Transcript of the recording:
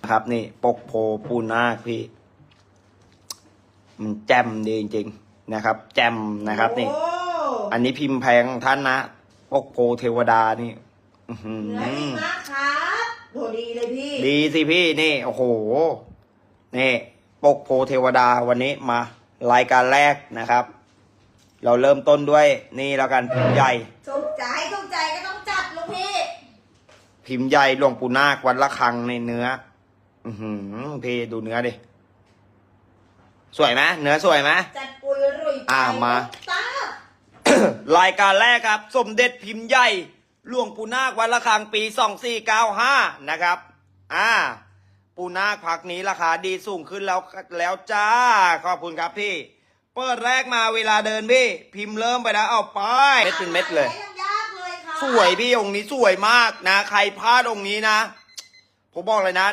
ครับนี่ปกโพปูนาคพี่มันแจ่มดีจริงๆนะครับแจ่มนะครับนี่โอ้อันนี้พิมพ์แพงของท่านนะปกโพเทวดานี่อื้อหือเนื้อดีมากครับโหดีเลยพี่ดีสิพี่นี่โอ้โหนี่ปกโพเทวดาวันนี้มารายการแรกนะครับ เราเริ่มต้นด้วยนี่แล้วกันพิมพ์ใหญ่ถูกใจก็ต้องจัดลูกพี่พิมพ์ใหญ่หลวงปู่นาควัดละคังในเนื้อ อือหือพี่ดูเนื้อดิสวยไหมเนื้อสวยไหมจัดปุยรุ่ยมาตารายการแรกครับ สมเด็จพิมพ์ใหญ่หลวงปู่นาควัดละคังปี2495นะครับปู่นาคพักนี้ราคาดีสูงขึ้นแล้วจ้าขอบคุณครับพี่เปิดแรกมาเวลาเดินพี่พิมพ์เริ่มไปแล้วเอาไปเม็ดเป็นเม็ดเลยยังยากเลยค่ะสวยพี่องค์นี้สวยมากนะใครพลาดองค์นี้นะผมบอกเลยนะ